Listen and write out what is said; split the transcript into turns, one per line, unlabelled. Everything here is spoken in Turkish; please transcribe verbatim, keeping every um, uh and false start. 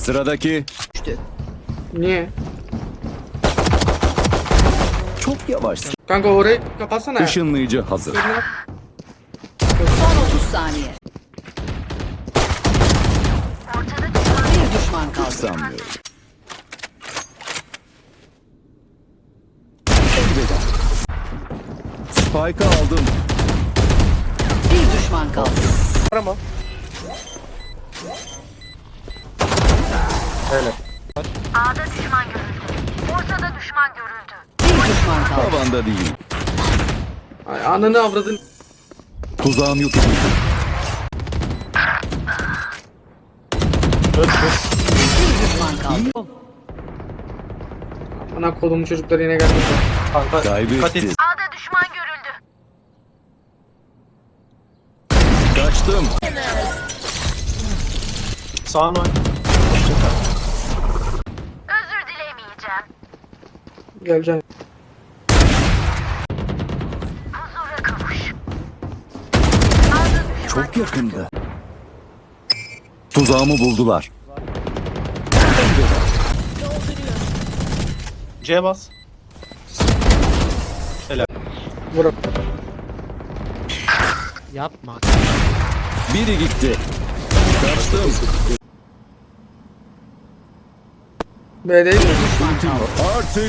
Sıradaki.
Niye?
Çok yavaş.
Kanka orayı kapatsana ya.
Işınlayıcı hazır.
Son otuz saniye. Bir düşman kaldı.
Sanmıyorum. Spike'ı aldım.
Bir düşman kaldı.
Arama. Öyle.
A'da düşman görüldü. Ortada düşman görüldü.
Bir düşman kaldı.
Tavanda değil.
Ay, ananı avradın.
Tuzağım yok edildi.
Öl, öl.
Bir düşman kaldı.
Ana kolumun çocukları yine geldi.
Kanka dikkat
Kaybetti.
et.
A'da düşman görüldü.
Kaçtım.
Sağına oyn.
Özür dilemeyeceğim.
Geleceğim.
Huzura kavuş. A'da düşman
Çok yakında. Tuzağımı buldular.
C bas.
Vur.
Yapma.
Biri gitti. Kaçtım.
B'deyim mi?
Artık